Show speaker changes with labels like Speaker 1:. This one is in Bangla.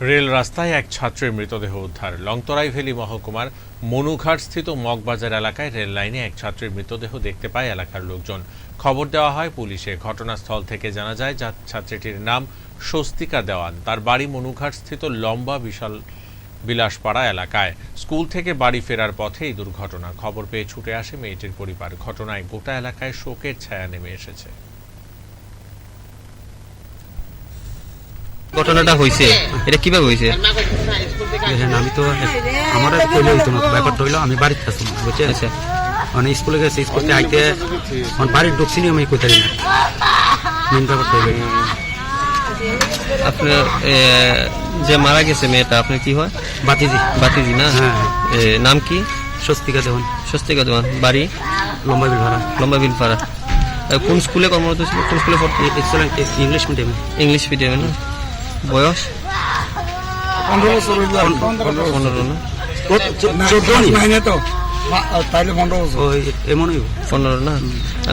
Speaker 1: রেল রাস্তায় এক ছাত্রের মৃতদেহ উদ্ধার। লংতরাই ভ্যালি মহকুমার মনুঘাটস্থিত মগবাজার এলাকায় রেল লাইনে এক ছাত্রের মৃতদেহ দেখতে পায় এলাকার লোকজন। খবর দেওয়া হয় পুলিশে। ঘটনাস্থল থেকে জানা যায় ছাত্রীটির নাম স্বস্তিকা দেওয়ান। তার বাড়ি মনুঘাটস্থিত লম্বা বিলাসপাড়া এলাকায়। স্কুল থেকে বাড়ি ফেরার পথে এই দুর্ঘটনা। খবর পেয়ে ছুটে আসে মেয়েটির পরিবার। ঘটনায় গোটা এলাকায় শোকের ছায়া নেমে এসেছে।
Speaker 2: ঘটনাটা হয়েছে এটা কিভাবে হয়েছে?
Speaker 3: আমি তো আমার কইলে হইতো না, ব্যাপারটা হইলো আমি বাড়িতে আসলাম, বুঝছেন?
Speaker 2: আচ্ছা,
Speaker 3: মানে স্কুলে গেছে, স্কুল থেকে আইতে বাড়ির ঢুকছি নি, আমি কইতারি না। মেন ব্যাপারটা হইলো
Speaker 2: আপনার যে মারা গেছে মেয়েটা আপনার কি হয়?
Speaker 3: বাতিজি।
Speaker 2: বাতিজি না?
Speaker 3: হ্যাঁ।
Speaker 2: নাম কি?
Speaker 3: স্বস্তিকা দেওয়ান।
Speaker 2: স্বস্তিকা দেওয়ান। বাড়ি
Speaker 3: লম্বা বিল ভাড়া।
Speaker 2: লম্বা বিলপাড়া। কোন স্কুলে কর্মরত ছিল? কোন স্কুলে পড়তে?
Speaker 3: ইংলিশ মিডিয়ামে।
Speaker 2: ইংলিশ মিডিয়ামে না? বয়স
Speaker 4: 15 বছর।
Speaker 2: 15 না?
Speaker 4: 14 মাইনে তো তাইলে 15 বছর।
Speaker 3: এমনই
Speaker 2: 15 না?